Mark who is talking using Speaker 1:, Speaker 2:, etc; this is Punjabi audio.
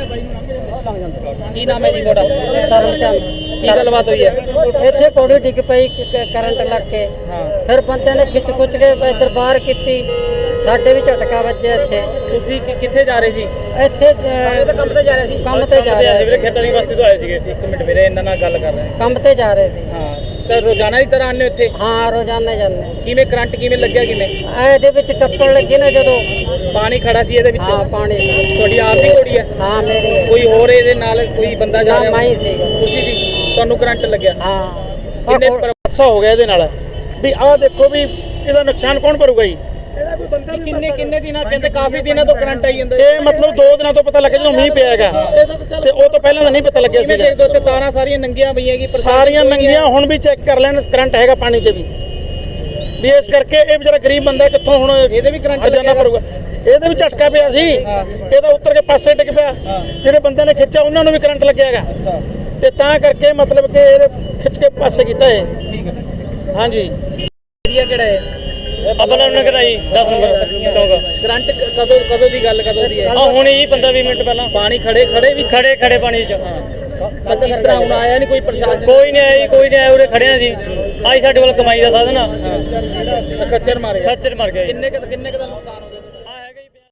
Speaker 1: ਕੀ ਨਾਮ ਹੈ ਜੀ ਤੁਹਾਡਾ?
Speaker 2: ਤਰਨਚੰਦ।
Speaker 1: ਕੀ ਗੱਲਬਾਤ ਹੋਈ ਹੈ?
Speaker 2: ਇੱਥੇ ਕੋੜੀ ਡਿੱਗ ਪਈ ਕਰੰਟ ਲੱਗ ਕੇ। ਫਿਰ ਬੰਦੇ ਨੇ ਖਿੱਚ ਖੁੱਚ ਕੇ ਇੱਧਰ ਬਾਹਰ ਕੀਤੀ, ਸਾਡੇ ਵੀ ਝਟਕਾ ਵੱਜਿਆ ਇੱਥੇ।
Speaker 1: ਤੁਸੀਂ ਕਿੱਥੇ ਜਾ ਰਹੇ ਸੀ?
Speaker 2: ਇੱਥੇ
Speaker 1: ਕੰਮ ਤੇ ਜਾ ਰਹੇ ਸੀ।
Speaker 2: ਕੰਮ ਤੇ ਜਾ ਰਹੇ ਸੀ।
Speaker 1: ਖੇਤਾਂ ਦੀ ਬਸਤੀ ਤੋਂ ਆਏ ਸੀਗੇ। ਇੱਕ ਮਿੰਟ ਵੀਰੇ, ਇਹਨਾਂ ਨਾਲ ਗੱਲ ਕਰ ਰਹੇ ਹਾਂ।
Speaker 2: ਕੰਮ ਤੇ ਜਾ ਰਹੇ ਸੀ।
Speaker 1: ਹਾਂ, ਤਾਂ ਰੋਜ਼ਾਨਾ ਦੀ ਤਰ੍ਹਾਂ ਆਉਂਦੇ ਇੱਥੇ?
Speaker 2: ਹਾਂ, ਰੋਜ਼ਾਨਾ ਜਾਂਦੇ।
Speaker 1: ਕਿਵੇਂ ਕਰੰਟ ਕਿਵੇਂ ਲੱਗਿਆ? ਕਿਵੇਂ
Speaker 2: ਇਹਦੇ ਵਿੱਚ ਟੱਪਣ ਲੱਗੀ ਨਾ ਜਦੋਂ
Speaker 1: ਪਾਣੀ ਖੜਾ ਸੀ ਇਹਦੇ ਵਿੱਚ?
Speaker 2: ਹਾਂ, ਪਾਣੀ।
Speaker 1: ਤੁਹਾਡੀ ਆਪ ਦੀ ਘੋੜੀ ਹੈ?
Speaker 2: ਹਾਂ, ਮੇਰੀ ਹੈ।
Speaker 1: ਕੋਈ ਹੋਰ ਇਹਦੇ ਨਾਲ ਕੋਈ ਬੰਦਾ ਜਾ ਰਿਹਾ?
Speaker 2: ਮੈਂ ਹੀ ਸੀਗਾ।
Speaker 1: ਤੁਸੀਂ ਸੀ? ਤੁਹਾਨੂੰ ਕਰੰਟ ਲੱਗਿਆ?
Speaker 2: ਹਾਂ।
Speaker 1: ਕਿੰਨੇ ਹਾਦਸਾ ਹੋ ਗਿਆ ਇਹਦੇ ਨਾਲ ਵੀ? ਆਹ ਦੇਖੋ ਵੀ ਇਹਦਾ ਨੁਕਸਾਨ ਕੌਣ ਭਰੂਗਾ ਜੀ? ਕਿੰਨੇ ਦਿਨਾਂ ਕਹਿੰਦੇ ਕਾਫੀ ਦਿਨਾਂ ਤੋਂ ਕਰੰਟ ਆਈ ਜਾਂਦਾ? ਇਹ ਮਤਲਬ 2 ਦਿਨਾਂ ਤੋਂ ਪਤਾ ਲੱਗਿਆ ਜਦੋਂ ਮੀਂਹ ਪਿਆ ਹੈਗਾ, ਤੇ ਉਹ ਤੋਂ ਪਹਿਲਾਂ ਤਾਂ ਨਹੀਂ ਪਤਾ ਲੱਗਿਆ ਸੀ। ਦੇਖ ਦੋ ਤੇ ਤਾਰਾਂ ਸਾਰੀਆਂ ਨੰਗੀਆਂ ਪਈਆਂ ਕੀ? ਸਾਰੀਆਂ ਨੰਗੀਆਂ। ਹੁਣ ਵੀ ਚੈੱਕ ਕਰ ਲੈਣ, ਕਰੰਟ ਹੈਗਾ ਪਾਣੀ 'ਚ ਵੀ ਇਸ ਕਰਕੇ ਇਹ ਵਿਚਾਰਾ ਗਰੀਬ ਬੰਦਾ ਕਿੱਥੋਂ ਹੁਣ ਇਹਦੇ ਵੀ ਕਰੰਟ ਜਾਣਾ ਪਊਗਾ। ਇਹਦੇ ਵੀ ਝਟਕਾ ਪਿਆ ਸੀ, ਇਹਦਾ ਉੱਤਰ ਕੇ ਪਾਸੇ ਡਿੱਗ ਪਿਆ। ਜਿਹੜੇ ਬੰਦੇ ਨੇ ਖਿੱਚਿਆ ਉਹਨਾਂ ਨੂੰ ਵੀ ਕਰੰਟ ਲੱਗਿਆ ਹੈਗਾ, ਤੇ ਤਾਂ ਕਰਕੇ ਮਤਲਬ ਕਿ ਇਹ ਖਿੱਚ ਕੇ ਪਾਸੇ ਕੀਤਾ ਹੈ। ਠੀਕ ਹੈ। ਹਾਂਜੀ। ਏਰੀਆ ਕਿਹੜਾ ਹੈ?
Speaker 3: ਅਬਲਾ ਨਗਰ ਆਈ 10 ਨੰਬਰ ਚੌਂਕ।
Speaker 1: ਕਰੰਟ ਕਦੋਂ ਦੀ ਗੱਲ ਕਦੋਂ ਦੀ ਹੈ?
Speaker 3: ਆ ਹੁਣੇ ਜੀ 15-20 ਮਿੰਟ ਪਹਿਲਾਂ।
Speaker 1: ਪਾਣੀ ਖੜੇ ਵੀ
Speaker 3: ਖੜੇ ਪਾਣੀ 'ਚ।
Speaker 1: ਬੰਦਾ ਕਿਸ ਤਰ੍ਹਾਂ ਹੁਣ ਆਇਆ ਨਹੀਂ ਕੋਈ ਪ੍ਰਸ਼ਾਸਨ?
Speaker 3: ਕੋਈ ਨਹੀਂ ਆਇਆ ਜੀ, ਕੋਈ ਨਹੀਂ ਆਇਆ। ਉਰੇ ਖੜੇ ਆ ਜੀ। ਆਈ ਸਾਡੇ ਵੱਲ ਕਮਾਈ ਦਾ ਸਾਧਨ ਆ।
Speaker 1: ਖੱਚਰ ਮਾਰ
Speaker 3: ਗਏ।
Speaker 1: ਕਿੰਨੇ ਕੁ ਦਾ ਨੁਕਸਾਨ